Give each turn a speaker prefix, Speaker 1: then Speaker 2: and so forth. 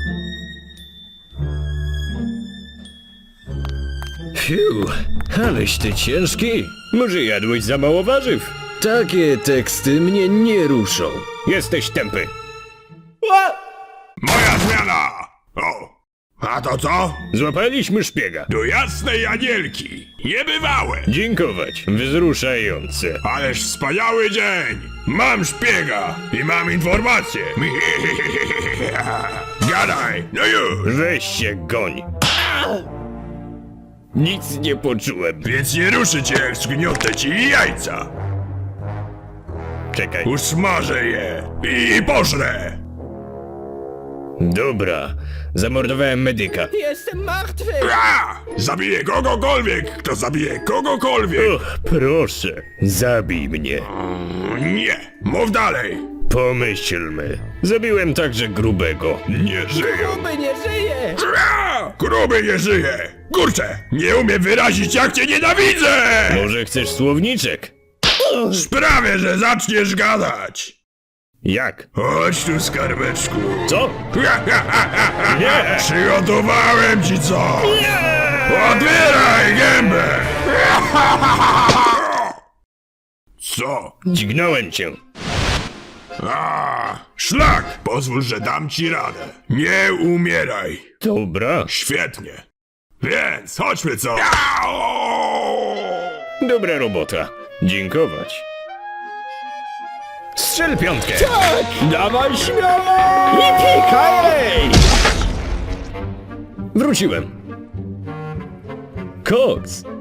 Speaker 1: Fiu, aleś ty ciężki.
Speaker 2: Może jadłeś za mało warzyw?
Speaker 1: Takie teksty mnie nie ruszą.
Speaker 2: Jesteś tępy.
Speaker 3: Moja zmiana! O! A to co?
Speaker 2: Złapaliśmy szpiega.
Speaker 3: Do jasnej anielki! Niebywałe!
Speaker 2: Dziękować. Wzruszające.
Speaker 3: Ależ wspaniały dzień! Mam szpiega i mam informację! Gadaj! No już!
Speaker 2: Weź się goń. Nic nie poczułem.
Speaker 3: Więc nie ruszy cię, jak zgniotę ci jajca!
Speaker 2: Czekaj.
Speaker 3: Usmażę je i pożrę!
Speaker 2: Dobra. Zamordowałem medyka.
Speaker 4: Jestem martwy!
Speaker 3: Zabiję kogokolwiek, kto zabije kogokolwiek!
Speaker 2: Och, proszę. Zabij mnie.
Speaker 3: Nie! Mów dalej!
Speaker 2: Pomyślmy. Zabiłem także grubego.
Speaker 3: Nie żyją!
Speaker 4: Gruby nie żyje!
Speaker 3: Gruby nie żyje! Kurczę! Nie umiem wyrazić, jak cię nienawidzę!
Speaker 2: Może chcesz słowniczek?
Speaker 3: Sprawię, że zaczniesz gadać!
Speaker 2: Jak?
Speaker 3: Chodź tu, skarbeczku!
Speaker 2: Co? Nie!
Speaker 3: Przygotowałem ci co! Otwieraj gębę! Co?
Speaker 2: Dźgnąłem cię.
Speaker 3: Szlak! Pozwól, że dam ci radę. Nie umieraj.
Speaker 2: Dobra.
Speaker 3: Świetnie. Więc chodźmy co?
Speaker 2: Dobra robota. Dziękować. Strzel piątkę!
Speaker 4: Dawaj śmiało! I pikaj!
Speaker 2: Wróciłem. Koks!